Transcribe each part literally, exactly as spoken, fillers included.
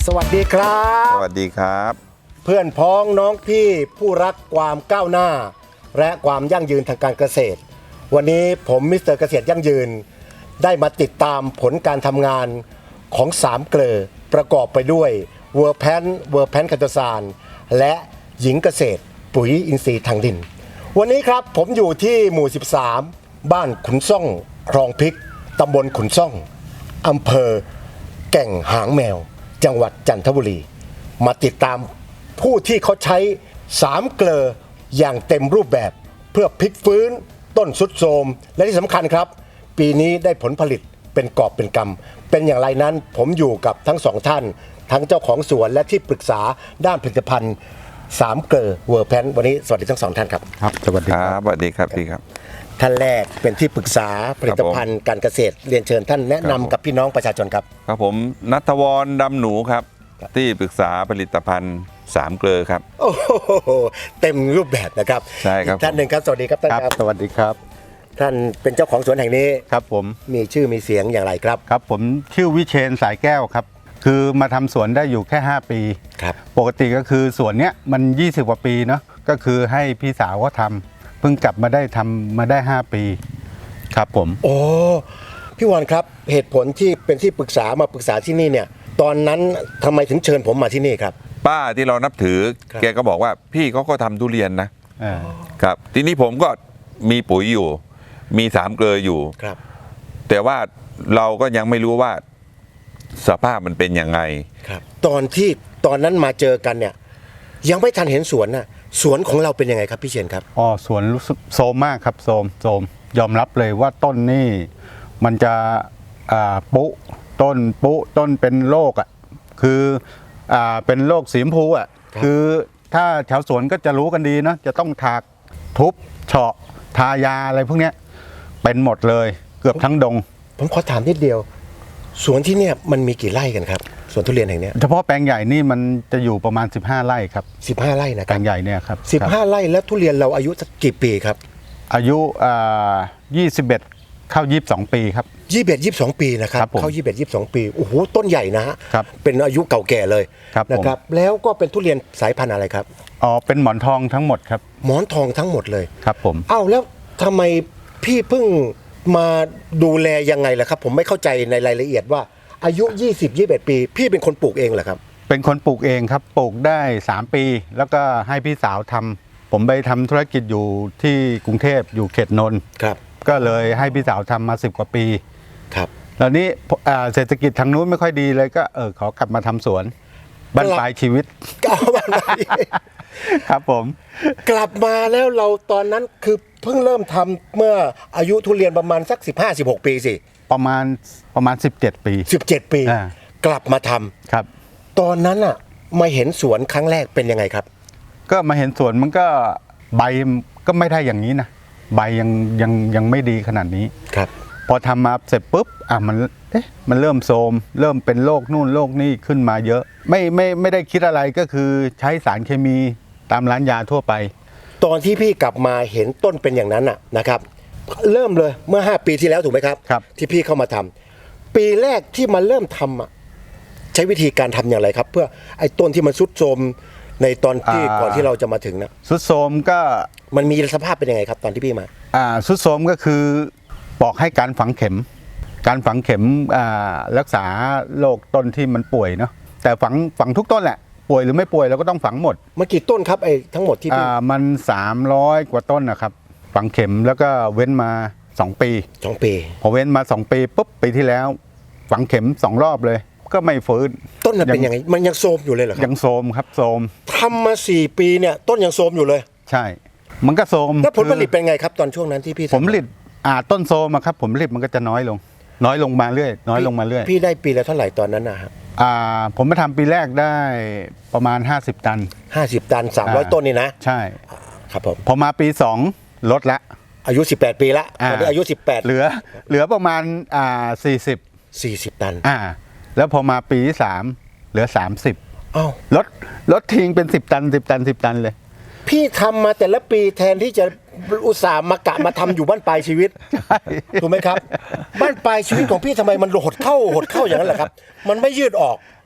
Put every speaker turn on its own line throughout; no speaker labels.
สวัสดีครับ
สวัสดีครับ
เพื่อนพ้องน้องพี่ผู้รักความก้าวหน้าและความยั่งยืนทางการเกษตรวันนี้ผมมิสเตอร์เกษตรยั่งยืนได้มาติดตามผลการทำงานของสามเกลอประกอบไปด้วยเวอร์แพนเวอร์แพนคาโตซานและหญิงเกษตรปุ๋ยอินทรีย์ทางดินวันนี้ครับผมอยู่ที่หมู่สิบสามบ้านขุนซ่องคลองพริกตำบลขุนซ่องอำเภอแก่งหางแมวจังหวัดจันทบุรีมาติดตามผู้ที่เขาใช้สามเกลออย่างเต็มรูปแบบเพื่อพลิกฟื้นต้นสุดโทรมและที่สำคัญครับปีนี้ได้ผลผลิตเป็นกอบเป็นกำเป็นอย่างไรนั้นผมอยู่กับทั้งสองท่านทั้งเจ้าของสวนและที่ปรึกษาด้านผลิตภัณฑ์สามเกลอเวอร์แพนวันนี้สวัสดีทั้งสองท่านครับ
ครับสวัสดี
ค
ค
รั
รั
บบ สวัสดีครับพี่ครับ
ท่านแรกเป็นที่ปรึกษาผลิตภัณฑ์การเกษตรเรียนเชิญท่านแนะนำกับพี่น้องประชาชนครับ
ครับผมณัฐวรดำหนูครับที่ปรึกษาผลิตภัณฑ์สามเกลอครับ
โอ้โหเต็มรูปแบบนะครับ
ใช่ครับ
ท่านหนึ่งครับสวัสดีครับท่าน
ครับ
ครับ
สวัสดีครับ
ท่านเป็นเจ้าของสวนแห่งนี้
ครับผม
มีชื่อมีเสียงอย่างไรครับ
ครับผมชื่อวิเชนสายแก้วครับคือมาทำสวนได้อยู่แค่ห้าปี
ครับ
ปกติก็คือสวนเนี้ยมันยี่สิบกว่าปีเนาะก็คือให้พี่สาวก็ทำเพิ่งกลับมาได้ทำมาได้ห้าปีครับผม
โอ้พี่วอนครับเหตุผลที่เป็นที่ปรึกษามาปรึกษาที่นี่เนี่ยตอนนั้นทำไมถึงเชิญผมมาที่นี่ครับ
ป้าที่เรานับถือ
ครับ
แกก็บอกว่าพี่เขาก็ทำทุเรียนนะ
อ่า
ครับทีนี้ผมก็มีปุ๋ยอยู่ มีสามเกลออยู่
ครับ
แต่ว่าเราก็ยังไม่รู้ว่าสภาพมันเป็นยังไง
ครับตอนที่ตอนนั้นมาเจอกันเนี่ยยังไม่ทันเห็นสวนน่ะสวนของเราเป็นยังไงครับพี่เชนครับ
อ๋อสวนรู้สึกโซมมากครับโซมโซมยอมรับเลยว่าต้นนี่มันจะอ่าปุต้นปุต้นเป็นโรคอ่ะคืออ่าเป็นโรคสีชมพูอ่ะ
ครับ
คือถ้าชาวสวนก็จะรู้กันดีเนาะจะต้องถากทุบเฉาะทายาอะไรพวกเนี้ยเป็นหมดเลยเกือบทั้งดง
ผมขอถามนิดเดียว สวนที่เนี่ยมันมีกี่ไร่กันครับสวนทุเรียนแห่งเนี้ย
เฉพาะแปลงใหญ่นี่มันจะอยู่ประมาณสิบห้าไร่ครับ
สิบห้าไร่นะค
แปล
รับ
งใหญ่เนี่ยครับ
สิบห้า
ครับ
ไร่แล้วทุเรียนเราอายุสักกี่ปีครับ
อายุอ่ายี่สิบเอ็ดเข้ายี่สิบสองปีครับ
ยี่สิบเอ็ดยี่สิบสองปีนะครับ
ครับผม
เข้ายี่สิบเอ็ดยี่สิบสองปีโอ้โหต้นใหญ่นะฮะ
ครับ
เป็นอายุเก่าแก่เลย
ครับผม
นะครับแล้วก็เป็นทุเรียนสายพันธุ์อะไรครับ
อ๋อเป็นหมอนทองทั้งหมดครับ
หมอนทองทั้งหมดเลย
ครับผม
อ้าวแล้วทำไมพี่เพิ่งมาดูแลยังไงล่ะครับ ผมไม่เข้าใจในรายละเอียดว่าอายุ ยี่สิบ ยี่สิบเอ็ด ปี พี่เป็นคนปลูกเองเหรอครับ
เป็นคนปลูกเองครับปลูกได้สามปี แล้วก็ให้พี่สาวทำผมไปทำธุรกิจอยู่ที่กรุงเทพอยู่เขตนนท์
ครับ
ก็เลยให้พี่สาวทำมาสิบกว่าปี
ครับ
แล้วนี้อ่าเศรษฐกิจทางนู้นไม่ค่อยดีเลยก็เออขอกลับมาทำสวนบ้านปลายชีวิต
ก็เอามา
ครับผม
กลับมาแล้วเราตอนนั้นคือเพิ่งเริ่มทำเมื่ออายุทุเรียนประมาณสัก สิบห้า สิบหก ปีสิ
ประมาณประมาณสิบเจ็ดปี
สิบเจ็ด ปี
อ่า
กลับมาทำ
ครับ
ตอนนั้นอ่ะมาเห็นสวนครั้งแรกเป็นยังไงครับ
ก็มาเห็นสวนมันก็ใบก็ไม่ได้อย่างนี้นะใบยังยังยังไม่ดีขนาดนี้
ครับ
พอทำมาเสร็จปุ๊บอ่ะมันเอ๊ะมันเริ่มโทรมเริ่มเป็นโรคนู่นโรคนี่ขึ้นมาเยอะ ไม่ไม่ไม่ได้คิดอะไรก็คือใช้สารเคมีตามร้านยาทั่วไป
ตอนที่พี่กลับมาเห็นต้นเป็นอย่างนั้นอ่ะนะครับ เริ่มเลยเมื่อ ห้า ปีที่แล้วถูกไหมครับ
ครับ
ที่พี่เข้ามาทำปีแรกที่มาเริ่มทำอ่ะใช้วิธีการทำอย่างไรครับ เพื่อไอ้ต้นที่มันทรุดโทรมในตอนที่ก่อนที่เราจะมาถึงนะ
สุดโทรมก็
มันมีสภาพเป็นยังไงครับ ตอนที่พี่มา
อ่าสุดโทรมก็คือบอกให้การฝังเข็ม การฝังเข็มอ่ารักษาโรคต้นที่มันป่วยเนาะแต่ฝังฝังทุกต้นแหละป่วยหรือไม่ป่วยเราก็ต้องฝังหมด
มันกี่ต้นครับไอ้ทั้งหมดที่พี่
อ่ามันสามร้อยกว่าต้นนะครับฝังเข็มแล้วก็เว้นมาสองปี
สองปี
พอเว้นมาสองปีปุ๊บปีที่แล้ว ฝังเข็มสองรอบเลย ก็ไม่ฟื้น
ต้นน่ะเป็นยังไงมันยังโทรมอยู่เลยเหรอครั
ยั
บ
งโทรมครับโทรม
ทำมาสี่ปีเนี่ยต้นยังโทรมอยู่เลย
ใช่ มันก็โทรม
แล้วผลผลิต
คือ
เป็นไงครับ ตอนช่วงนั้นที่พี่ทำ
ผลผลิตอ่าต้นโทรมอะครับผลผลิตมันก็จะน้อยลง น้อยลงมาเรื่อยน้อยลงมาเรื่อย
พี่ได้ปีละเท่าไหร่ตอนนั้นนะครับ
อ่าผมมาทำปีแรกได้ประมาณห้าสิบตัน
ห้าสิบตันสามร้อย
อ่า
ต้นนี่นะ
ใช่
ครับผม
พอมาปีสองลดละ
อายุสิบแปดปีละ
อ่า
ตอนนี้อายุสิบแปด
เหลือเหลือประมาณอ่าสี่สิบ
สี่สิบตัน
อ่าแล้วพอมาปีที่สามเหลือสามสิบ
อ้าว
ลดลดทิ้งเป็นสิบตันสิบตันสิบตันเลย
พี่ทำมาแต่ละปีแทนที่จะอุตส่าห์มากะมาทำอยู่บ้านปลายชีวิตถูกไหมครับ บ้านปลายชีวิตของพี่ทำไมมันหดเข้าหดเข้าอย่างนั้นแหละครับ มันไม่ยืดออก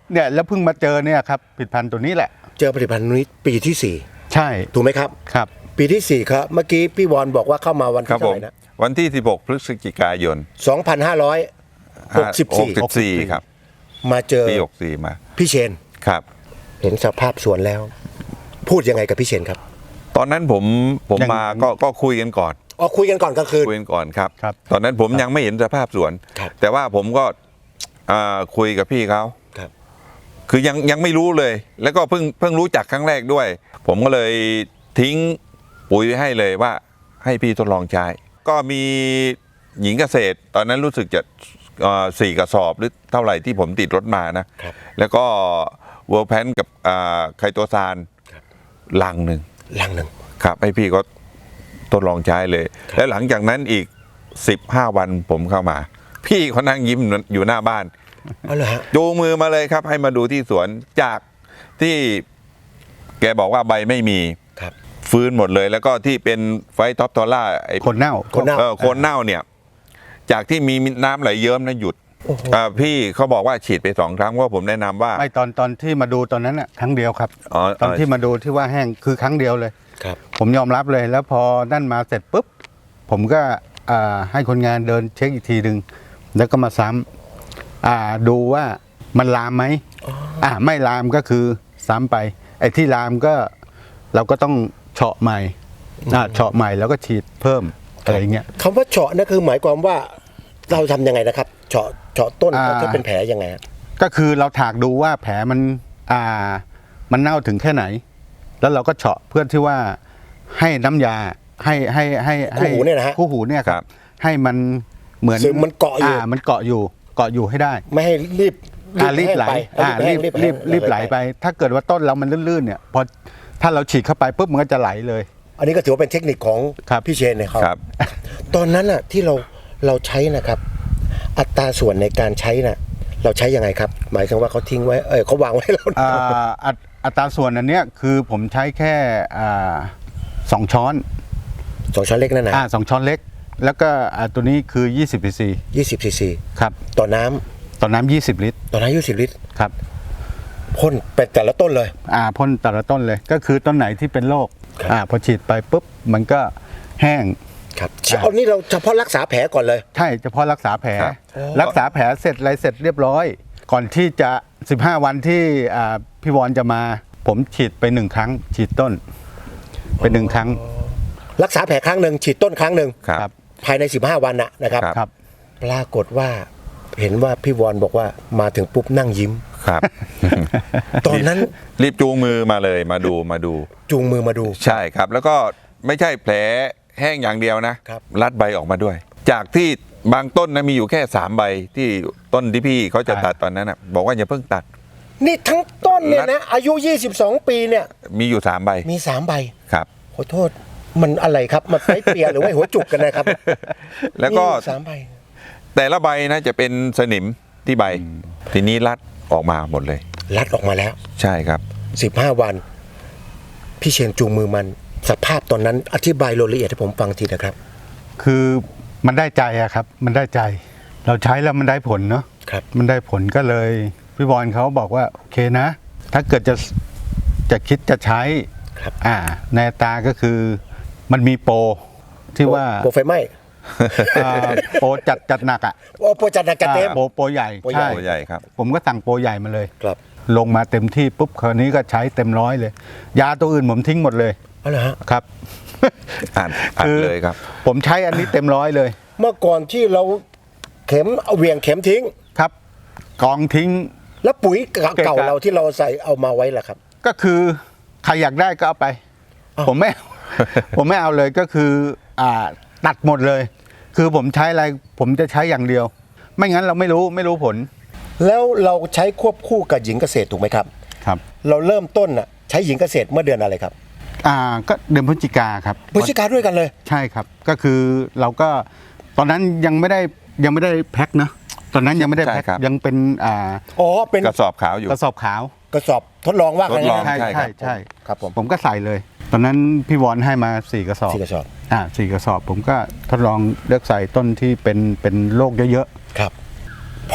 เนี่ยแล้วเพิ่งมาเจอเนี่ยครับผลิตภัณฑ์ตัวนี้แหละ
เจอผลิตภัณฑ์นี้ปีที่สี่
ใช่
ถูกไหมครับ
ครับ
ปีที่สี่ครับเมื่อกี้พี่วอนบอกว่าเข้ามาวัน
ครั
ที่
บ
เท่า
ผ
ไห
ม
ร่นะ
วันที่สิบหกพฤศจิกายน
สองพันห้าร้อยหกสิบสี่
หกสิบสี่ครับ
มาเจอ
ปีหกสี่มา
พี่เชน
ครับ
เห็นสภาพสวนแล้ว พูดยังไงกับพี่เชนครับ
ตอนนั้นผมผม
ยัง
มาก็ก็คุยกันก่อน
อ๋อคุยกันก่อนกลางคืน
คุยกันก่อนครับ
ครับ
ตอนนั้นผมยังไม่เห็นสภาพสวน
ครับ
แต่ว่าผมก็อ่าคุยกับพี่เขา
ครับ
คือยังยังไม่รู้เลย แล้วก็เพิ่งเพิ่งรู้จักครั้งแรกด้วย ผมก็เลยทิ้งปุ๋ยไว้ให้เลยว่าให้พี่ทดลองใช้ ก็มีหญิงเกษตร ตอนนั้นรู้สึกจะเอ่อสี่กระสอบหรือเท่าไหร่ที่ผมติดรถมานะ
ครับ
แล้วก็เวิร์แพนกับอ่าไคโตซาน
ครับ
ลังหนึ่ง
ลังหนึ่ง
ครับให้พี่ก็ทดลองใช้เลย แล้วหลังจากนั้นอีกสิบห้าวันผมเข้ามา พี่เขานั่งยิ้มอยู่หน้าบ้าน
เอาเลยฮะ
จูงมือมาเลยครับ ให้มาดูที่สวนจากที่แกบอกว่าใบไม่มี
ครับ
ฟื้นหมดเลย แล้วก็ที่เป็นไฟท็อปทอล่าไอ้
คนเน่า
คนเน่า
เออโคนเน่าเนี่ย จากที่มีน้ำไหลเยิ้มนะหยุดอ่าพี่เขาบอกว่าฉีดไปสองครั้งเพราะผมแนะนำว่า
ไม่ตอนตอนที่มาดูตอนนั้นน่ะครั้งเดียวครับ
อ๋อ
ตอนที่มาดูที่ว่าแห้งคือครั้งเดียวเลย
ครับ
ผมยอมรับเลยแล้วพอนั่นมาเสร็จปุ๊บผมก็อ่าให้คนงานเดินเช็คอีกทีหนึ่งแล้วก็มาซ้ำอ่าดูว่ามันลามไหมอ่าไม่ลามก็คือซ้ำไป ไอ้ที่ลามก็เราก็ต้องเฉาะใหม่อ่าเฉาะใหม่แล้วก็ฉีดเพิ่มอะไรอย่างเงี้ย
คำว่าเฉาะนั่นคือหมายความว่าเราทำยังไงนะครับเฉาะเฉาะต้น
อ่า
ถ้าเป็นแผลยังไงฮะ
ก็คือเราถากดูว่าแผลมันอ่ามันเน่าถึงแค่ไหน แล้วเราก็เฉาะเพื่อที่ว่าให้น้ำยาให้ให้ให้ให้
คู่หูเนี่ยนะฮะ
คู่หูเนี่ยครับให้มันเหมือน
ซึมมันเกาะอยู่
มันเกาะอยู่เกาะอยู่ให้ได้
ไม่ให้รีบ
อ่ารีบไหล
แห้งป
อ่ารีบ
แห้ง
รีบ
แห้ง
รีบไหลไป ถ้าเกิดว่าต้นเรามันลื่นๆเนี่ยพอถ้าเราฉีดเข้าไปปุ๊บมันก็จะไหลเลย
อันนี้ก็ถือว่าเป็นเทคนิคของ
ครับ
พี่เชนเนี่ยเขา
ครับ
ตอนนั้นอ่ะที่เราเราใช้นะครับ อัตราส่วนในการใช้น่ะ เราใช้ยังไงครับ หมายถึงว่าเขาทิ้งไว้เออเขาวางไว้ให้เรา
อ่าอัตอัตราส่วนอันเนี้ยคือผมใช้แค่อ่าสองช้อน
สองช้อนเล็กนั่นนะ
อ่าสองช้อนเล็ก แล้วก็อ่าตัวนี้คือยี่สิบซีซี
ยี่สิบซีซี
ครับ
ต่อน้ำ
ต่อน้ำยี่สิบลิตร
ต่อน้ำยี่สิบลิตร
ครับ
พ่นไปแต่ละต้นเลย
อ่าพ่นแต่ละต้นเลยก็คือต้นไหนที่เป็นโรค
ครับ
อ่าพอฉีดไปปุ๊บมันก็แห้ง
ครับเอานี่เราเฉพาะรักษาแผลก่อนเลย
ใช่เฉพาะรักษาแผล
ครับ
รักษาแผลเสร็จอะไรเสร็จเรียบร้อย ก่อนที่จะสิบห้าวันที่อ่าพี่วอนจะมาผมฉีดไปหนึ่งครั้ง ฉีดต้นไปหนึ่งครั้ง
รักษาแผลครั้งหนึ่งฉีดต้นครั้งหนึ่ง
ครับ
ภายในสิบห้าวันนะนะครับ
ครับ
ครับ
ปรากฏว่าเห็นว่าพี่วอนบอกว่ามาถึงปุ๊บนั่งยิ้ม
ครับ
ตอนนั้น
รีบจูงมือมาเลยมาดูมาดู
จูงมือมาดู
ใช่ครับ แล้วก็ไม่ใช่แผลแห้งอย่างเดียวนะครับ รัดใบออกมาด้วย จากที่บางต้นนะมีอยู่แค่สามใบที่ต้นที่พี่เขาจะตัดตอนนั้นนะบอกว่าอย่าเพิ่งตัด
นี่ทั้งต้นเนี่ยนะอายุยี่สิบสองปีเนี่ย
มีอยู่สามใบ
มีสามใบ
ครับ
ขอโทษมันอะไรครับมันไปเปียหรือว่าหัวจุกกันนะครับ
แล้วก็
มีอยู่สามใบ
แต่ละใบนะจะเป็นสนิมที่ใบ ทีนี้รัดออกมาหมดเลย
รัดออกมาแล้ว
ใช่ครับ
สิบห้าวัน พี่เชนจูงมือมัน สภาพตอนนั้นอธิบายรายละเอียดให้ผมฟังทีนะครับ
คือมันได้ใจอะครับ มันได้ใจ เราใช้แล้วมันได้ผลเนาะ
ครับ
มันได้ผลก็เลยพี่บอลเขาบอกว่าโอเคนะ ถ้าเกิดจะจะคิดจะใช้
ครับ
อ่าในอัตราก็คือมันมีโปรที่ว่า
โปรไฟไหม้
อ่าโปรจัดจัดหนักอ่ะ
โอ้โปรจัดหนักจัดเต็ม
อ่าโปรโปรใหญ่
โปรใหญ่
ใช่
ตัวใหญ่ครับ
ผมก็สั่งโปรใหญ่มาเลย
ครับ
ลงมาเต็มที่ปุ๊บคราวนี้ก็ใช้เต็มร้อยเลย ยาตัวอื่นผมทิ้งหมดเลย
เอาละฮะ
ครับ
อ่านอ่าน
คือ
เลยครับ
ผมใช้อันนี้เต็มร้อยเลย
เมื่อก่อนที่เราเข็มเอาเหวี่ยงเข็มทิ้ง
ครับ กองทิ้ง
แล้วปุ๋ยเก่า
เกะกะ
เราที่เราใส่เอามาไว้ล่ะครับ
ก็คือใครอยากได้ก็เอาไป
อ้าว
ผมไม่เอา ผมไม่เอาเลยก็คืออ่าตัดหมดเลย คือผมใช้อะไรผมจะใช้อย่างเดียว ไม่งั้นเราไม่รู้ไม่รู้ผล
แล้วเราใช้ควบคู่กับหญิงเกษตรถูกไหมครับ
ครับ
เราเริ่มต้นน่ะใช้หญิงเกษตรเมื่อเดือนอะไรครับ
อ่าก็เดือนพฤศจิกาครับ
พฤศจิกาด้วยกันเลย
ใช่ครับ ก็คือเราก็ตอนนั้นยังไม่ได้ยังไม่ได้แพ็คเนอะตอนนั้นยังไม่ได้แพ็ค
ใช่ครับ
ยังเป็นอ่า
อ๋อเป็น
กระสอบขาวอยู่
กระสอบขาว
กระสอบทดลองว่ากัน
ทดลอง
นะ
ใช่
ใช่ครั
ใช่
บ
ใช่
ครับผม
ผมก็ใส่เลย ตอนนั้นพี่วอนให้มาสี่กระสอบ
สี่กระสอบ
อ่าสี่กระสอบ ผมก็ทดลองเลือกใส่ต้นที่เป็นเป็นโรคเยอะ
ครับ พ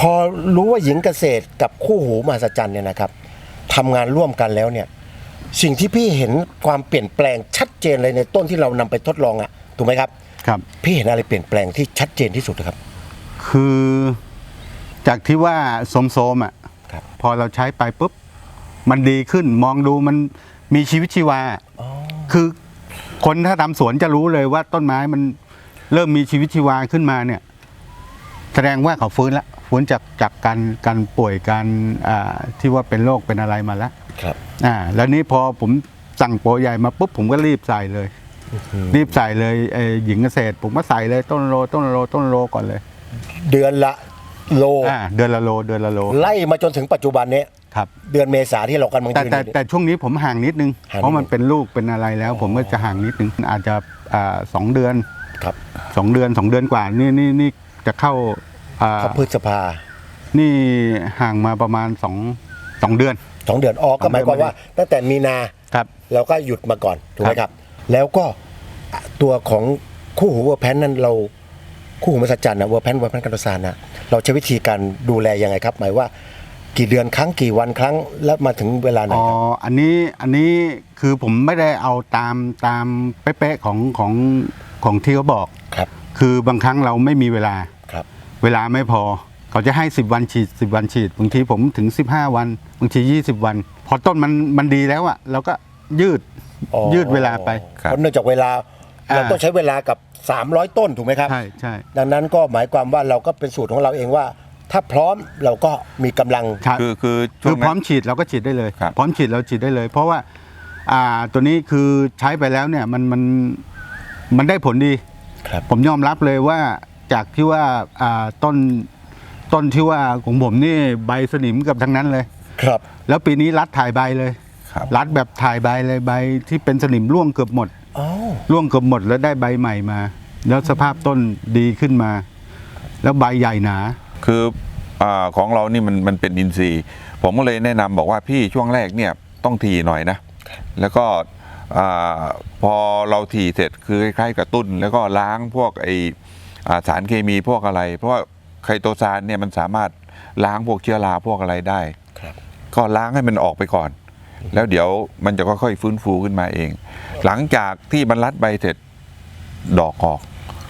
อรู้ว่าหญิงเกษตรกับคู่หูมหัศจรรย์เนี่ยนะครับทำงานร่วมกันแล้วเนี่ยสิ่งที่พี่เห็นความเปลี่ยนแปลงชัดเจนเลยในต้นที่เรานำไปทดลองอะถูกไหมครับ
ครับ
พี่เห็นอะไรเปลี่ยนแปลงที่ชัดเจนที่สุดครับ
คือจากที่ว่าโสมๆอ่ะ
ครับ
พอเราใช้ไปปุ๊บมันดีขึ้นมองดูมันมีชีวิตชีวา คือคนถ้าทำสวนจะรู้เลยว่าต้นไม้มันเริ่มมีชีวิตชีวาขึ้นมาเนี่ย แสดงว่าเขาฟื้นละฟื้นจากจากการการป่วยการอ่าที่ว่าเป็นโรคเป็นอะไรมาแล้ว
ครับ
อ่าแล้วนี้พอผมสั่งโปรใหญ่มาปุ๊บผมก็รีบใส่เลย รีบใส่เลยไอ้หญิงเกษตร ผมก็ใส่เลยต้นโลต้นโลต้นโลก่อนเลย
เดือนละโล
อ่าเดือนละโลเดือนละโล
ไล่มาจนถึงปัจจุบันนี้
ครับ
เดือนเมษาที่เรากำลัง
แต่
ยืน
แต่
อยู่
แต่ช่วงนี้ผมห่างนิดนึง
ห่างนิดนึง
เพราะมันเป็นลูกเป็นอะไรแล้ว ผมก็จะห่างนิดนึงอาจจะอ่าสองเดือน
ครับ
สองเดือนสองเดือนกว่านี่นี่นี่จะเข้าอ่า
เขาพฤษภา
นี่ห่างมาประมาณสองสองเดือน
สองเดือนออกก็หมายความว่า ตั้งแต่มีนา
ครับ
เราก็หยุดมาก่อนถูกไหม
ค
ค
รั
รับ บ แล้วก็ตัวของคู่หูเวอร์แพนนั้นเราคู่หูมหัศจรรย์นะเวอร์แพนเวอร์แพนกันตซานนะเราใช้วิธีการดูแลยังไงครับ หมายว่ากี่เดือนครั้งกี่วันครั้งแล้วมาถึงเวลาไหน
อ๋อ
ครับ
อันนี้อันนี้คือผมไม่ได้เอาตามตามเป๊ะๆของของของที่เขาบอก
ครับ
คือบางครั้งเราไม่มีเวลา
ครับ
เวลาไม่พอ เขาจะให้สิบวันฉีดสิบวันฉีดบางทีผมถึงสิบห้าวันบางทียี่สิบวัน พอต้นมันมันดีแล้วอะเราก็ยืด
อ๋อ
ยืดเวลาไป
ครับ
เพราะเนื่องจากเวลา
อ่า
เราต้องใช้เวลากับสามร้อยต้นถูกไหมครับ
ใช่ใช่
ดังนั้นก็หมายความว่าเราก็เป็นสูตรของเราเองว่า ถ้าพร้อมเราก็มีกำลัง
ครับ
คือคือช่
คื
ว
อง พ
นั้
ร้อม
น
ฉีดเราก็ฉีดได้เลย
ครับ
พร้อมฉีดเราฉีดได้เลย เพราะว่าอ่าตัวนี้คือใช้ไปแล้วเนี่ยมันมันมันได้ผลดี
ครับ
ผมยอมรับเลยว่าจากที่ว่าอ่าต้นต้นที่ว่าของผมนี่ใบสนิมกับทั้งนั้นเลย
ครับ
แล้วปีนี้รัดถ่ายใบเลย
ครับ
รัดแบบถ่ายใบเลยใบที่เป็นสนิมร่วงเกือบหมด
อ๋อ
ร่วงเกือบหมดแล้วได้ใบใหม่มา แล้วสภาพต้นดีขึ้นมา แล้วใบใหญ่หนา
คืออาของเรานี่มันมันเป็นอินทรีย์ ผมก็เลยแนะนำบอกว่าพี่ช่วงแรกเนี่ยต้องถี่หน่อยนะ แล้วก็อาพอเราถี่เสร็จคือคล้ายๆกระตุ้น แล้วก็ล้างพวกไออ่าสารเคมีพวกอะไร เพราะว่าไคโตซานเนี่ยมันสามารถล้างพวกเชื้อราพวกอะไรได้
ครับ
ก็ล้างให้มันออกไปก่อน แล้วเดี๋ยวมันจะค่อยๆฟื้นฟูขึ้นมาเอง หลังจากที่มันรัดใบเสร็จดอกออก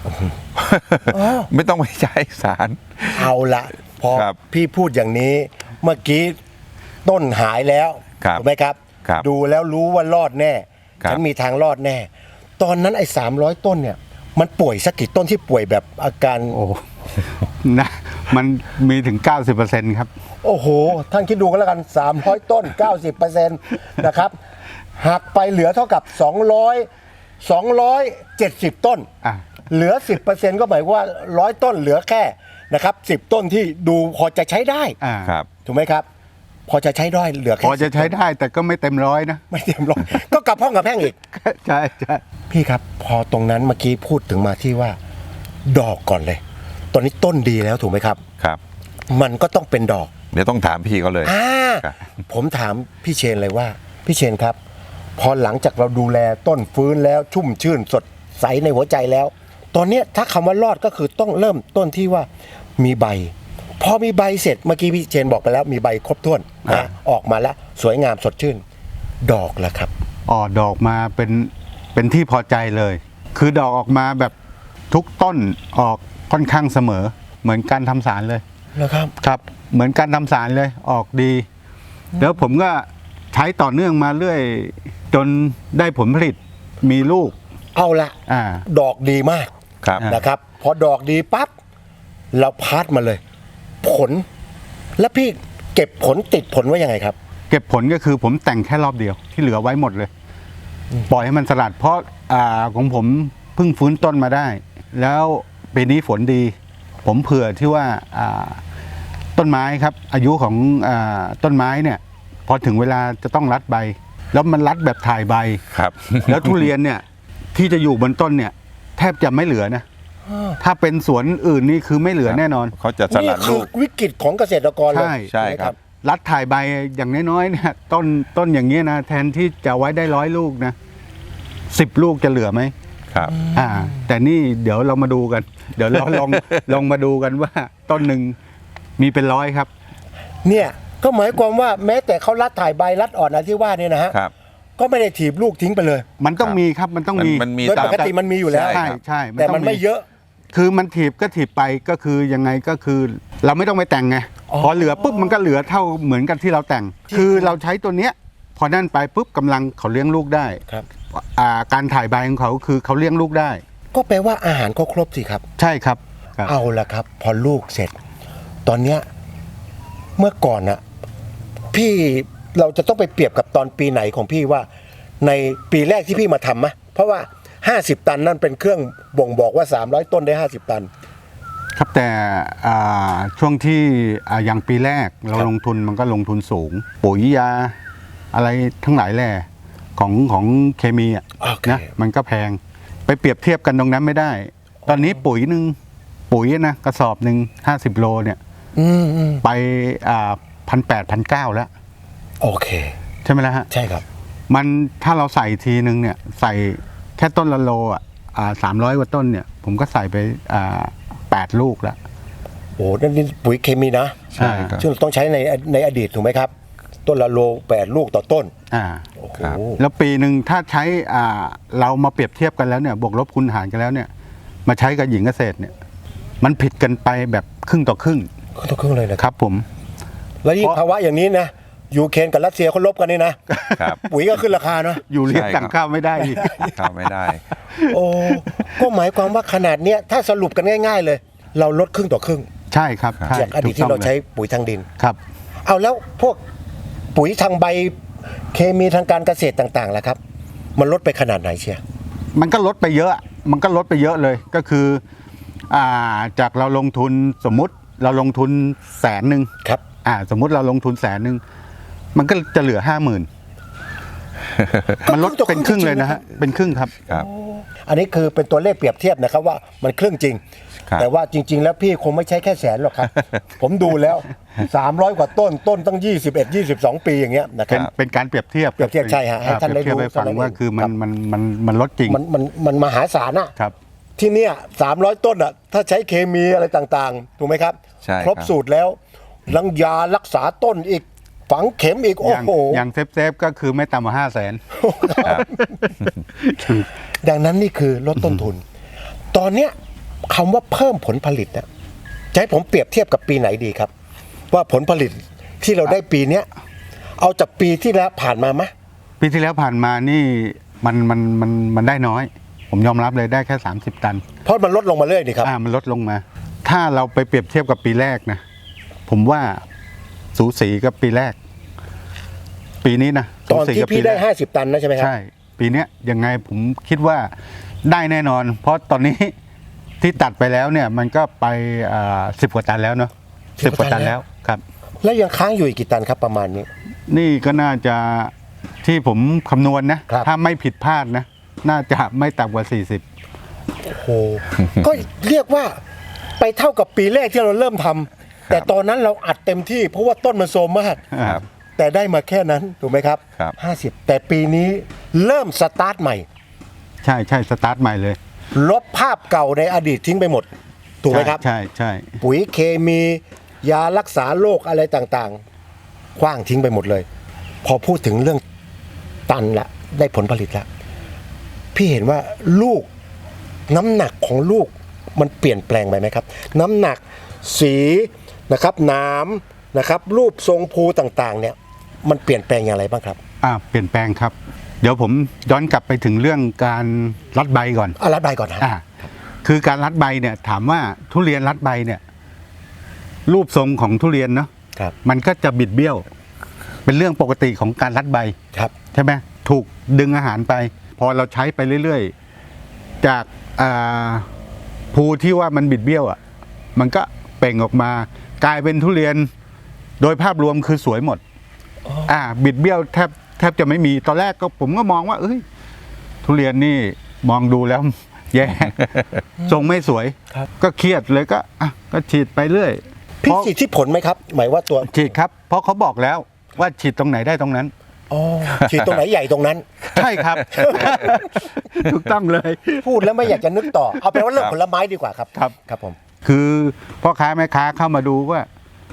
ไม่ต้องไปใช้สาร
เอาละพอ
ครับ
พี่พูดอย่างนี้เมื่อกี้ต้นหายแล้ว
ครับ
ถูกไหมครับ
ครับ
ดูแล้วรู้ว่ารอดแน่
ครับ
ฉันมีทางรอดแน่ ตอนนั้นไอ้สามร้อยต้นเนี่ย มันป่วยสักกี่ต้นที่ป่วยแบบอาการ
โอ้ นะมันมีถึง เก้าสิบเปอร์เซ็นต์ ครับ
โอ้โห ท่านคิดดูกันแล้วกัน สามร้อย ต้น เก้าสิบเปอร์เซ็นต์ นะครับหักไปเหลือเท่ากับ สองร้อย สองร้อยเจ็ดสิบ ต้น
อ่ะ
เหลือ สิบเปอร์เซ็นต์ ก็หมายว่าร้อยต้นเหลือแค่นะครับสิบต้นที่ดูพอจะใช้ได้
อ่า
ครับ
ถูกไหมครับ พอจะใช้ได้เหลือแค่
พอจะใช้
สิบต้น
ได้แต่ก็ไม่เต็มร้อยนะ
ไม่เต็มร้อย ก็กลับห้องกับแพ่งอีก
ใช่ใช่
พี่ครับ พอตรงนั้นเมื่อกี้พูดถึงมาที่ว่า ดอกก่อนเลย ตอนนี้ต้นดีแล้วถูกไหมครับ
ครับ
มันก็ต้องเป็นดอก
เดี๋ยวต้องถามพี่เขาเลย
อ่า
ครับ
ผมถามพี่เชนเลยว่า พี่เชนครับ พอหลังจากเราดูแลต้นฟื้นแล้วชุ่มชื่นสดใสในหัวใจแล้ว ตอนเนี้ยถ้าคำว่ารอดก็คือต้องเริ่มต้นที่ว่ามีใบ พอมีใบเสร็จเมื่อกี้พี่เชนบอกไปแล้วมีใบครบถ้วนนะออกมาแล้วสวยงามสดชื่น ดอกแล้วครับ
ออกดอกมาเป็นเป็นที่พอใจเลย คือดอกออกมาแบบทุกต้นออกค่อนข้างเสมอ เหมือนการทำสารเลย
นะครับ
ครับ เหมือนการทำสารเลยออกดี แล้วผมก็ใช้ต่อเนื่องมาเรื่อย จนได้ผลผลิตมีลูก
เอาละ
อ่า
ดอกดีมาก
ครับ
นะครับ พอดอกดีปั๊บเราพาดมาเลย ผล แล้วพี่เก็บผลติดผลไว้ยังไงครับ
เก็บผลก็คือผมแต่งแค่รอบเดียวที่เหลือไว้หมดเลย ปล่อยให้มันสลัด เพราะอ่าของผมเพิ่งฟื้นต้นมาได้ แล้วปีนี้ฝนดี ผมเผื่อที่ว่าอ่าต้นไม้ครับ อายุของอาต้นไม้เนี่ย พอถึงเวลาจะต้องรัดใบ แล้วมันรัดแบบถ่ายใบ
ครับ
แล้วทุเรียนเนี่ยที่จะอยู่บนต้นเนี่ย แทบจะไม่เหลือนะ ถ้าเป็นสวนอื่นนี่คือไม่เหลือแน่นอน
เขาจะส
นี่
ลัด
คื
ลู
อก วิกฤตของเกษตรกรเลย
ใช่
ใช่ครับ
รัดถ่ายใบอย่างน้อยๆเนี่ยต้นต้นอย่างเงี้ยนะแทนที่จะไว้ได้ร้อยลูกนะสิบลูกจะเหลือไหม
ครับ
อ่า แต่นี่เดี๋ยวเรามาดูกัน เดี๋ยวเราลอง ลองมาดูกันว่าต้นหนึ่งมีเป็นร้อยครับ
เนี่ยก็หมายความว่าแม้แต่เขารัดถ่ายใบรัดอ่อนอะไรที่ว่าเนี่ยนะฮะ
ครับ
ก็ไม่ได้ถีบลูกทิ้งไปเลย
มันต้อง
ครับ
มีครับมันต้องมี
มันมี
โดย
ตาม
ปกติมันมีอยู่แล้ว
ใช่
ใช่
ครับ
ใช่
แต่
อง
มันไม่เยอะ
คือมันถีบก็ถีบไปก็คือยังไงก็คือ เราไม่ต้องไปแต่งไง
อ๋อ
พอเหลือปุ๊บมันก็เหลือเท่าเหมือนกันที่เราแต่ง คือเราใช้ตัวเนี้ยพอนั่นไปปุ๊บกำลังเขาเลี้ยงลูกได้
ครับ
อ่าการถ่ายใบของเขาคือเขาเลี้ยงลูกได้
ก็แปลว่าอาหารก็ครบสิครับ
ใช่ครับครับ
เอาละครับ พอลูกเสร็จ ตอนเนี้ยเมื่อก่อนน่ะพี่เราจะต้องไปเปรียบกับตอนปีไหนของพี่ว่า ในปีแรกที่พี่มาทำไหมเพราะว่าห้าสิบตันนั่นเป็นเครื่องบ่งบอกว่าสามร้อยต้นได้ห้าสิบตัน
ครับแต่อ่าช่วงที่อ่าอย่างปีแรกเรา
ครับ
ลงทุนมันก็ลงทุนสูง ปุ๋ยยาอะไรทั้งหลายแหล่ของของเคมีอ่ะ
โอเค
นะมันก็แพงไปเปรียบเทียบกันตรงนั้นไม่ได้ ตอนนี้ปุ๋ยหนึ่งปุ๋ยนะกระสอบหนึ่งห้าสิบโลเนี่ย
อืมอืม
ไปอ่าพันแปดพันเก้าแล้ว
โอเค
ใช่ไหมล่ะฮะ
ใช่ครับ
มันถ้าเราใส่ทีนึงเนี่ยใส่แค่ต้นละโลอ่ะสามร้อยกว่าต้นเนี่ยผมก็ใส่ไปอ่าแปดลูกแล้ว
โอ้นั่นนี่ปุ๋ยเคมีนะ
ใช่ครับ
ซึ่งต้องใช้ในในอดีตถูกไหมครับ ต้นละโลแปดลูกต่อต้น
อ่า
โอ้โห
ครับ
แล้วปีหนึ่งถ้าใช้อ่าเรามาเปรียบเทียบกันแล้วเนี่ยบวกลบคูณหารกันแล้วเนี่ยมาใช้กับหญิงเกษตรเนี่ยมันผิดกันไปแบบครึ่งต่อครึ่ง
ก็ต้องครึ่งเลยนะ
ค
ครับ
รับผม
แล้วยิ่ง
เพราะ
ภาวะอย่างนี้นะยูเครนกับรัสเซียเขาลบกันนี่นะครับ ปุ๋ยก็ขึ้นราคาเนาะ
อยู่เรียก
ใช่
สั่งข้าวไม่ได้อีก
เข้าไม่ได้
โอ้ก็หมายความว่าขนาดเนี้ยถ้าสรุปกันง่าย ๆ เลย เราลดครึ่งต่อครึ่ง
ใช่ครับใช่
จากอดีตที่เราใช้ปุ๋ยทางดิน
ครับ
เอาแล้วพวกปุ๋ยทางใบเคมีทางการเกษตรต่างๆล่ะครับ มันลดไปขนาดไหนเชียร์
มันก็ลดไปเยอะ มันก็ลดไปเยอะเลยก็คืออ่าจากเราลงทุนสมมุติเราลงทุนแสนหนึ่ง
ครับ
อ่าสมมุติเราลงทุนแสนหนึ่งมันก็จะเหลือห้าหมื่นมันลดเป็นครึ่งเลยนะฮะเป็นครึ่งครับ
ครับ
อันนี้คือเป็นตัวเลขเปรียบเทียบนะครับว่ามันครึ่งจริง
ครับ
แต่ว่าจริง ๆ แล้วพี่คงไม่ใช้แค่แสนหรอกครับ ผมดูแล้ว สามร้อย กว่าต้นต้นตั้งยี่สิบเอ็ด ยี่สิบสอง ปีอย่างเงี้ยนะค
เป็
รั
น
บ
เป็นการเปรียบเทียบ
เปรียบเทียบใช่ฮะให้
อ่
ท่านได้
เปรียบเทียบ
รู้
ให้ฟัง
ท่านได้
ว่าคือมัน
ครับ
มันมันมันลดจริง
มันมันมันมหาศาลอะ
ครับ
ที่เนี่ยสามร้อยต้นอะถ้าใช้เคมีอะไรต่างๆ ถูกไหมครับ
ใช่
ครบ
ครับ
สูตรแล้วลังยารักษาต้นอีกฝังเข็มอีก
อ
โอ้
ย่าง
โห
อย่างเซฟเซฟก็คือไม่ต่ำกว่าห้าแสน
ครับ
ดังนั้นนี่คือลดต้นทุน ตอนเนี้ยคำว่าเพิ่มผลผลิตนะจะให้ผมเปรียบเทียบกับปีไหนดีครับ ว่าผลผลิตที่เราได้ปีเนี้ยเอาจากปีที่แล้วผ่านมาไหม
ปีที่แล้วผ่านมานี่มันมันมันมันได้น้อย ผมยอมรับเลยได้แค่สามสิบตัน
เพราะมันลดลงมาเรื่อยนี่ครับ
อ่ามันลดลงมา ถ้าเราไปเปรียบเทียบกับปีแรกนะผมว่าสูสีกับปีแรก ปีนี้นะ
ตอน
สูสี
ที่
กับ
พี่
ปี
ได้
แรก
ห้าสิบตันนะใช่ไหมครับ
ใช่ ปีเนี้ยยังไงผมคิดว่าได้แน่นอน เพราะตอนนี้ ที่ตัดไปแล้วเนี่ย มันก็ไปสิบกว่าตันแล้วเนาะ
สิ
สิ
บบ ก
ก
ว่า
ว่า
ตั
ตั
น
น
แล้
แล้ว วครับ
แล้วยังค้างอยู่อีกกี่ตันครับประมาณนี้
นี่ก็น่าจะที่ผมคำนวณนะ
ครับ
ถ้าไม่ผิดพลาดนะ น่าจะไม่ต่ำกว่าสี่สิบ
โอ้โห ก็เรียกว่าไปเท่ากับปีแรกที่เราเริ่มทำแต่ตอนนั้นเราอัดเต็มที่เพราะว่าต้นมันโทรมมาก
ครับ
แต่ได้มาแค่นั้นถูกไหมครับ
ครับ
ห้าสิบแต่ปีนี้เริ่มสตาร์ทใหม่
ใช่ใช่สตาร์ทใหม่เลย
ลบภาพเก่าในอดีตทิ้งไปหมด ถูกไหมครับ
ใช่ใช่
ปุ๋ยเคมียารักษาโรคอะไรต่างๆคว้างทิ้งไปหมดเลย พอพูดถึงเรื่องตันละได้ผลผลิตละพี่เห็นว่าลูกน้ำหนักของลูกมันเปลี่ยนแปลงไปไหมครับ น้ำหนักสีนะครับน้ำนะครับ รูปทรงภูต่างๆ เนี่ย มันเปลี่ยนแปลงอย่างไรบ้างครับ
อ่าเปลี่ยนแปลงครับ เดี๋ยวผมย้อนกลับไปถึงเรื่องการรัดใบก่อน
อารัดใบก่อนนะ
อ่าคือการรัดใบเนี่ย ถามว่าทุเรียนรัดใบเนี่ย รูปทรงของทุเรียนเนาะ
ครับ
มันก็จะบิดเบี้ยว เป็นเรื่องปกติของการรัดใบ
ครับ
ใช่ไหมถูกดึงอาหารไป พอเราใช้ไปเรื่อยๆ จากอ่าภูที่ว่ามันบิดเบี้ยวอ่ะมันก็เปล่งออกมา กลายเป็นทุเรียน โดยภาพรวมคือสวยหมดอ่าบิดเบี้ยวแทบแทบจะไม่มีตอนแรกก็ผมก็มองว่า เอ้ย ทุเรียนนี่มองดูแล้ว แย่ ทรงไม่สวย
ครับ
ก็เครียดเลยก็อ่ะก็ฉีดไปเรื่อย
พี่
เพราะ
ฉีดที่ผลไหมครับ หมายว่าตัว
ฉีดครับ เพราะเขาบอกแล้วว่าฉีดตรงไหนได้ตรงนั้น
อ๋อฉีดตรงไหนใหญ่ตรงนั้น
ใช่ครับ ถูกต้องเลย
พูดแล้วไม่อยากจะนึกต่อ เอาเป็นว่าเรื่อง
ครับ
ผลไม้ดีกว่าครับ
ครับ
ครับผม
คือพ่อค้าแม่ค้าเข้ามาดูว่า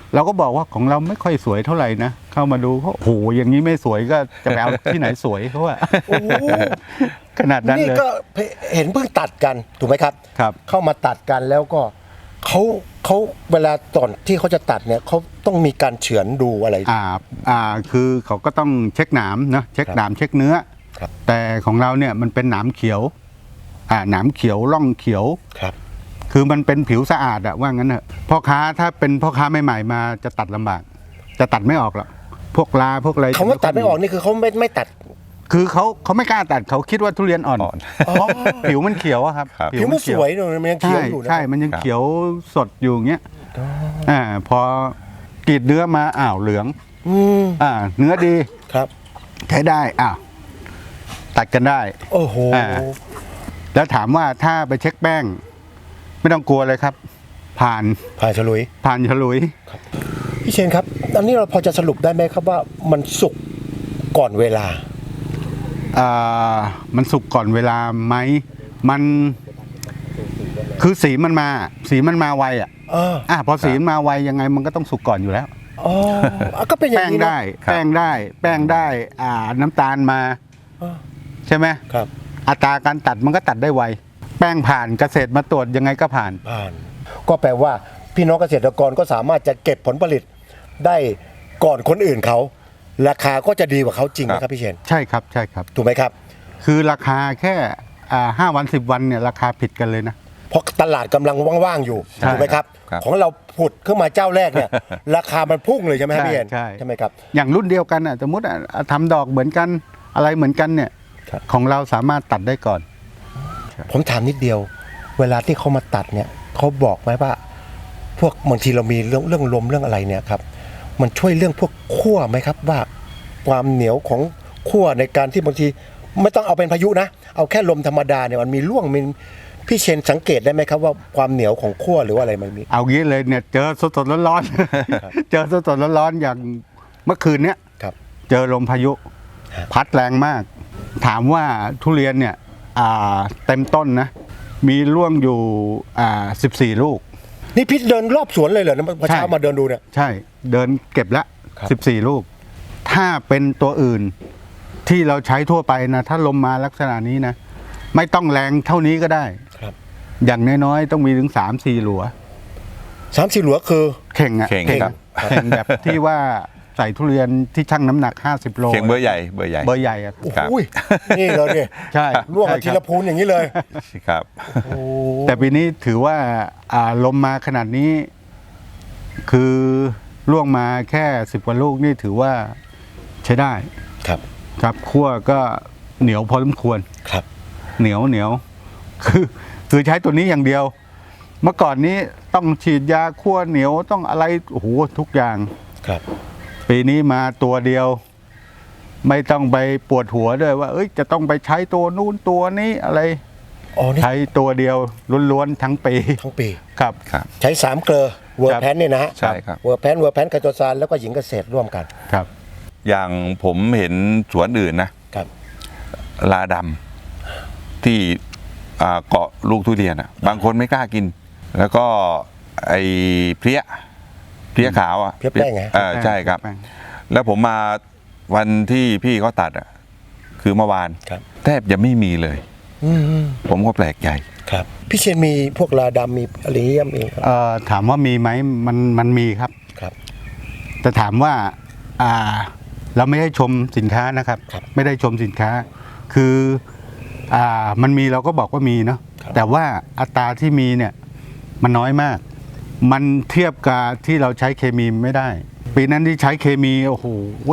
เราก็บอกว่าของเราไม่ค่อยสวยเท่าไหร่นะเข้ามาดูเขาโอ้โหอย่างนี้ไม่สวยก็จะไปเอาที่ไหนสวยเขาว่า
โอ้โห
ขนาดนั้น
นี่
เลย
ก็เห็นเพิ่งตัดกันถูกไหมครับ
ครับ
เข้ามาตัดกันแล้วก็เขาเขาเวลาตอนที่เขาจะตัดเนี่ยเขาต้องมีการเฉือนดูอะไร
อ่าอ่าคือเขาก็ต้องเช็คหนามนะเช็ค
ครับ
หนามเช็คเนื้อ
ครับ
แต่ของเราเนี่ยมันเป็นหนามเขียวอ่าหนามเขียวร่องเขียว
ครับ
คือมันเป็นผิวสะอาดอะว่างั้นเถอะพ่อค้าถ้าเป็นพ่อค้าใหม่ๆมาจะตัดลำบาก จะตัดไม่ออกหรอกพวกลาพวกอะไร
คำว่าตัดไม่ออกนี่คือเขาไม่ไม่ตัด
คือเขาเขาไม่กล้าตัดเขาคิดว่าทุเรียนอ่อน
อ่อน
เพราะผิวมันเขียวอะครับ
ครับ
ผิวมันสวยเนอะมันยังเขียว
ใช่
อยู่นะ
ใช่มันยัง
ครับ
เขียวสดอยู่อย่างเงี้ยอ่าพอกรีดเนื้อมาอ้าวเหลือง
อืม
อ่าเนื้อดี
ครับ
ใช้ได้อ้าวตัดกันได้
โอ้โห
อ่า แล้วถามว่าถ้าไปเช็คแป้ง ไม่ต้องกลัวเลยครับ ผ่าน
ผ่านฉลุย
ผ่านฉลุย
พี่เชนครับอันนี้เราพอจะสรุปได้ไหมครับว่ามันสุกก่อนเวลา
อ่ามันสุกก่อนเวลาไหมมันคือสีมันมา สีมันมาไวอ่ะ
อ่า
อ่ะพอสีมันมาไวยังไงมันก็ต้องสุกก่อนอยู่แล้ว
อ๋ออ่ะก็เป็นอย่า
แป้
ง
ง
นี้นะ
ได้
ครับ
แป้งได้ แป้งได้ อ่า น้ำตาลมา
อ่า
ใช่ไหม
ครับ
อัตราการตัดมันก็ตัดได้ไว แป้งผ่านเกษตรมาตรวจยังไงก็ผ่าน
ผ่าน ก็แปลว่าพี่น้องเกษตรกรก็สามารถจะเก็บผลผลิตได้ก่อนคนอื่นเขา ราคาก็จะดีกว่าเขาจริงไหมครับพี่เชน
ใช่ครับใช่ครับ
ถูกไหมครับ
คือราคาแค่อ่าห้าวันสิบวันเนี่ยราคาผิดกันเลยนะ
เพราะตลาดกำลังว่างๆอยู่
ใช่
ถูกไหมครับ
ครับ
ของเราผุดขึ้นมาเจ้าแรกเนี่ย ราคามันพุ่งเลยใช่ไหมครับพี่เชน
ใช่
ใช่ไหมครับ
อย่างรุ่นเดียวกันอ่ะสมมติอ่ะทำดอกเหมือนกันอะไรเหมือนกันเนี่ย
ครับ
ของเราสามารถตัดได้ก่อน
ผมถามนิดเดียว เวลาที่เขามาตัดเนี่ยเขาบอกไหมว่า พวกบางทีเรามีเรื่องเรื่องลมเรื่องอะไรเนี่ยครับ มันช่วยเรื่องพวกขั้วไหมครับว่าความเหนียวของขั้วในการที่บางทีไม่ต้องเอาเป็นพายุนะ เอาแค่ลมธรรมดาเนี่ยมันมีร่วงมีพี่เชนสังเกตได้ไหมครับว่าความเหนียวของขั้วหรือว่าอะไรมันมี
เอางี้เลยเนี่ยเจอสดๆร้อนๆ เจอสดๆร้อนๆอย่างเมื่อคืนเนี้ย
ครับ
เจอลมพายุ
ฮะ
พัดแรงมาก ถามว่าทุเรียนเนี่ยอ่าเต็มต้นนะ มีร่วงอยู่อ่าสิบสี่ลูก
นี่พี่เดินรอบสวนเลยเหรอเมื่อเช้า
ใช่
มาเดินดูเนี่ย
ใช่เดินเก็บละ
ครับ
สิบสี่ลูก ถ้าเป็นตัวอื่นที่เราใช้ทั่วไปนะ ถ้าลมมาลักษณะนี้นะ ไม่ต้องแรงเท่านี้ก็ได้
ครับ
อย่างน้อยๆต้องมีถึงสามสี่หลัว
สามสี่หลัวคือ
เข่งอะ
เข่งครับ
เข่งแบบที่ว่าใส่ทุเรียนที่ชั่งน้ำหนักห้าสิบโล
เข่งเบอร์ใหญ่เบอร์ใหญ่
เบอร์ใหญ่อะ
โอ้
ครับ
โหนี่เลยเนี่ย
ใช่
ร่วงมา
ใช่
ที
ครั
ละ
บ
พูนอย่างนี้เลย
ครับ
แต่ปีนี้ถือว่าอ่าลมมาขนาดนี้ คือล่วงมาแค่สิบกว่าลูกนี่ถือว่าใช้ได้
ครับ
ครับคั่วก็เหนียวพอสมควร
ครับ
เหนียวเหนียวคือคือใช้ตัวนี้อย่างเดียว เมื่อก่อนนี้ต้องฉีดยาคั่วเหนียวต้องอะไรโอ้โหทุกอย่าง
ครับ
ปีนี้มาตัวเดียว ไม่ต้องไปปวดหัวด้วยว่า เอ้ยจะต้องไปใช้ตัวนู้นตัวนี้อะไร
อ๋อนี่
ใช้ตัวเดียวล้วนๆทั้งปี
ทั้งปี
ครับ
ครับ
ใช้สามเกลอเวอร์แพนเนี่ยนะฮะ
ใช่ครับ
เวอร์แพนเวอร์แพนไคโตซานแล้วก็หญิงเกษตรร่วมกัน
ครับ
อย่างผมเห็นสวนอื่นนะครับ ลาดำที่อ่าเกาะลูกทุเรียนอ่ะ บางคนไม่กล้ากิน แล้วก็ไอ้เพลี้ยเพลี้ยขาวอ่ะ
เพลี้ยแป้งไง
เออใช่ครับ
แป้ง
แล้วผมมาวันที่พี่เขาตัดอ่ะ คือเมื่อวาน
ครับ
แทบจะไม่มีเลย
อืม
ผมก็แปลกใจ
ครับ พี่เชนมีพวกลาดำมีอะไรเยี่ยมเองครับ
เอ่อถามว่ามีไหมมันมันมีครับ
ครับ
แต่ถามว่าอ่าเราไม่ได้ชมสินค้านะครับ
ครับ
ไม่ได้ชมสินค้า คืออ่ามันมีเราก็บอกว่ามีเนาะ
ครับ
แต่ว่าอัตราที่มีเนี่ยมันน้อยมาก มันเทียบกับที่เราใช้เคมีไม่ได้ ปีนั้นที่ใช้เคมีโอ้โห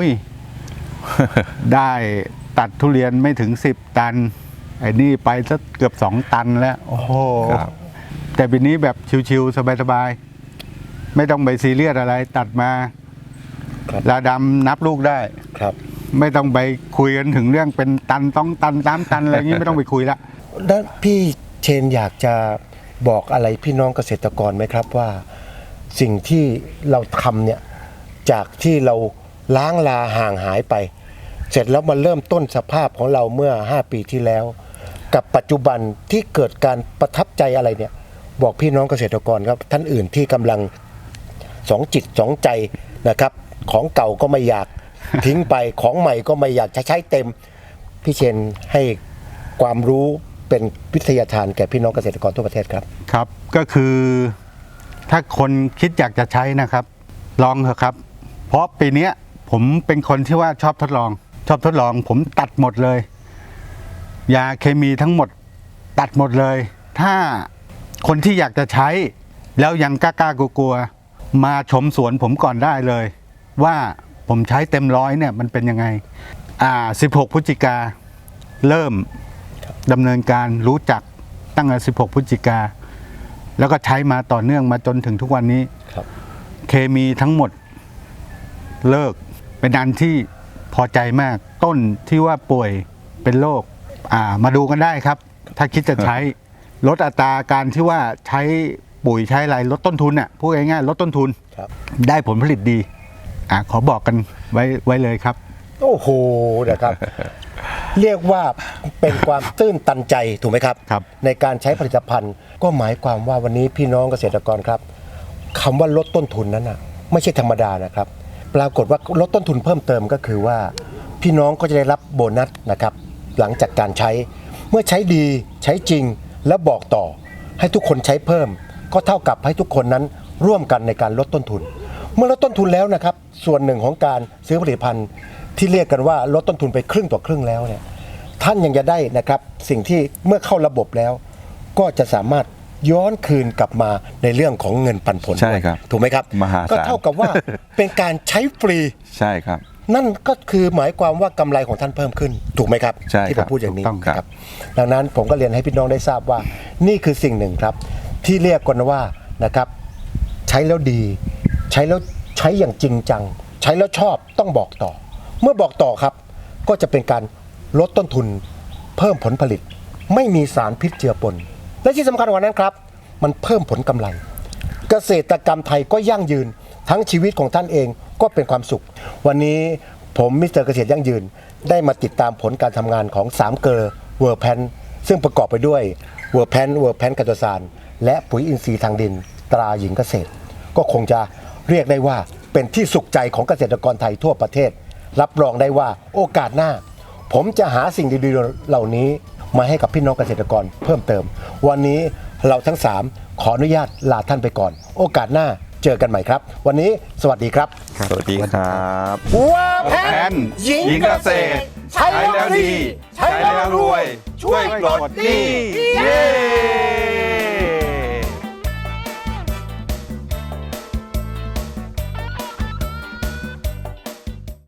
ได้ตัดทุเรียนไม่ถึงสิบตัน ไอ้นี่ไปสักเกือบสองตันแล้ว โอ้โห
ครับ
แต่ปีนี้แบบชิวๆสบายๆไม่ต้องไปซีเรียสอะไร ตัดมา
ครับ
ลาดำนับลูกได้
ครับ
ไม่ต้องไปคุยกันถึงเรื่องเป็นตันต้องตันตามตันอะไรอย่างนี้ไม่ต้องไปคุยละ
แล้วพี่เชนอยากจะบอกอะไรพี่น้องเกษตรกรไหมครับว่า สิ่งที่เราทำเนี่ยจากที่เราล้างลาห่างหายไป เสร็จแล้วมาเริ่มต้นสภาพของเราเมื่อห้าปีที่แล้ว กับปัจจุบันที่เกิดการประทับใจอะไรเนี่ย บอกพี่น้องเกษตรกรครับท่านอื่นที่กำลังสองจิตสองใจนะครับของเก่าก็ไม่อยาก ทิ้งไปของใหม่ก็ไม่อยากจะใช้เต็มพี่เชนให้ความรู้เป็นวิทยาทานแก่พี่น้องเกษตรกรทั่วประเทศครับ
ครับก็คือถ้าคนคิดอยากจะใช้นะครับ ลองเถอะครับ เพราะปีเนี้ยผมเป็นคนที่ว่าชอบทดลอง ชอบทดลอง ผมตัดหมดเลย ยาเคมีทั้งหมดตัดหมดเลย ถ้าคนที่อยากจะใช้ แล้วยังกล้าๆกลัวๆมาชมสวนผมก่อนได้เลย ว่าผมใช้เต็มร้อยเนี่ยมันเป็นยังไงอ่าสิบหกพฤศจิกาเริ่มดำเนินการรู้จักตั้งแต่สิบหกพฤศจิกาแล้วก็ใช้มาต่อเนื่องมาจนถึงทุกวันนี้
ครับ
เคมีทั้งหมดเลิกเป็นอันที่พอใจมากต้นที่ว่าป่วยเป็นโรคอ่ามาดูกันได้ครับ ถ้าคิดจะใช้ ลดอัตราการที่ว่าใช้ปุ๋ยใช้อะไรลดต้นทุนอ่ะพูดง่ายๆลดต้นทุน
ครับ
ได้ผลผลิตดีอ่าขอบอกกันไว้ไว้เลยครับ
โอ้โหนะครับ เรียกว่าเป็นความตื้นตันใจถูกไหมครับ
ครับ
ในการใช้ผลิตภัณฑ์ ก็หมายความว่าวันนี้พี่น้องเกษตรกรครับคำว่าลดต้นทุนนั้นน่ะไม่ใช่ธรรมดานะครับ ปรากฏว่าลดต้นทุนเพิ่มเติมก็คือว่า พี่น้องก็จะได้รับโบนัสนะครับ หลังจากการใช้เมื่อใช้ดีใช้จริงแล้วบอกต่อ ให้ทุกคนใช้เพิ่ม ก็เท่ากับให้ทุกคนนั้นร่วมกันในการลดต้นทุน เมื่อลดต้นทุนแล้วนะครับ ส่วนหนึ่งของการซื้อผลิตภัณฑ์ที่เรียกกันว่าลดต้นทุนไปครึ่งต่อครึ่งแล้วเนี่ยท่านยังจะได้นะครับสิ่งที่เมื่อเข้าระบบแล้ว ก็จะสามารถย้อนคืนกลับมาในเรื่องของเงินปันผล
ใช่ครับ
ถูกไหมครับ
มหาศาล
ก็เท่ากับว่า เป็นการใช้ฟรี
ใช่ครับ
นั่นก็คือหมายความว่ากำไรของท่านเพิ่มขึ้น ถูกไหมครับ
ใช่
ที่
ค
ผ
รับ
มพูดอย่างนี้
ถูกต้องครับ
ดังนั้นผมก็เรียนให้พี่น้องได้ทราบว่า นี่คือสิ่งหนึ่งครับ ที่เรียกกันว่านะครับใช้แล้วดี ใช้แล้วใช้อย่างจริงจัง ใช้แล้วชอบต้องบอกต่อ เมื่อบอกต่อครับ ก็จะเป็นการลดต้นทุน เพิ่มผลผลิต ไม่มีสารพิษเจือปน และที่สำคัญกว่านั้นครับ มันเพิ่มผลกำไร เกษตรกรรมไทยก็ยั่งยืน ทั้งชีวิตของท่านเองก็เป็นความสุข วันนี้ผมมิสเตอร์เกษตรยั่งยืน ได้มาติดตามผลการทำงานของสามเกลอเวอร์แพนซึ่งประกอบไปด้วยเวอร์แพนเวอร์แพนกัตโตซานและปุ๋ยอินทรีย์ทางดินตราหญิงเกษตร ก็คงจะเรียกได้ว่าเป็นที่สุขใจของเกษตรกรไทยทั่วประเทศ รับรองได้ว่าโอกาสหน้า ผมจะหาสิ่งดีๆเหล่านี้มาให้กับพี่น้องเกษตรกรเพิ่มเติม วันนี้เราทั้งสามขออนุญาตลาท่านไปก่อน โอกาสหน้าเจอกันใหม่ครับ วันนี้สวัสดีครับ
สวัสดีครับ
ว่าแพ
แพ
น
น
หญิง
หญิง
เก
เก
ษ
ษ
ต
ต
ร
ร
ใช้แล้วดี ใช้แล้วรวย ช่วยปลดหนี้
เย้